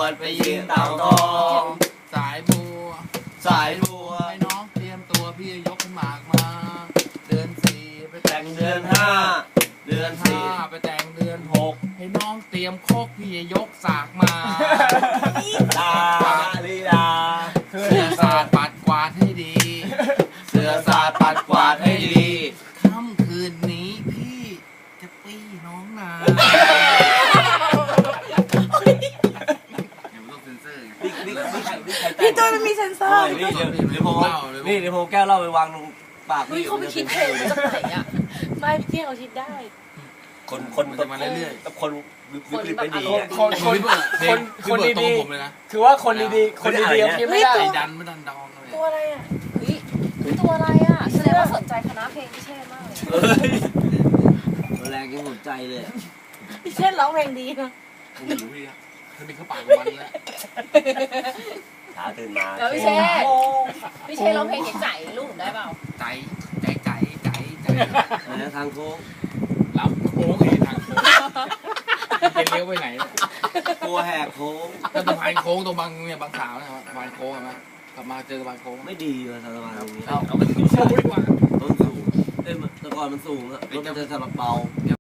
ดไปยืนเต่าทองสายบัวสายบัวให้น้องเตรียมตัวพี่ยกขึ้นหมากมาเดือนสี่ไปแต่แต่งงเดือนห้าเดือนสี่ไปแต่งเดือนหกให้น้องเตรียมโคกพี่ยกสากมาลาลีลาเสื้อสาดปัดกวาดให้ดีเสือสาดปัดกวาดให้ดีค่ำคืนนี้พี่จะปี้น้องนายังไม่ต้องเซ็นเซอร์ไงพี่ตุ้ยมันมีเซนเซอร์นี่เดี๋ยวผมแก้วเล่าไปวางลงปากเฮ้ยเขาไม่คิดเพลงมาจากไหนอ่ะไม่พี่เที่ยวเขาคิดได้คนมาเรื่อยๆคนวิกฤตไม่ดีอ่ะคนดีๆผมเลยนะคือว่าคนดีๆคนดีๆคิดไม่ได้ไอ้ดันไม่ดันดองเลยตัวอะไรอ่ะเฮ้ยตัวอะไรอ่ะแสดงว่าสนใจคณะเพลงพี่เชษมากเลยแรงยังสนใจเลยพี่เชษร้องเพลงดีนะผมหิวพี่อะถ้ามีข้าวปากมันแล้วขาตื่นมาแล้วพี่เชษพี่เชษร้องเพลงใจลูกหนูได้เปล่าใจทางโค้งรับโค้งไอ้ทางโค้งจะเลี้ยวไปไหนเนี่ยกลัวแหกโค้งก็สะพานโค้งตรงบางเนี่ยบางสาวนะครับสะพานโค้งเห็นไหมกลับมาเจอสะพานโค้งไม่ดีเลยสะพานตรงนี้เอาไปถึงโค้งดีกว่าต้นสูงแต่ก่อนมันสูงอะรถมันจะสลับเบา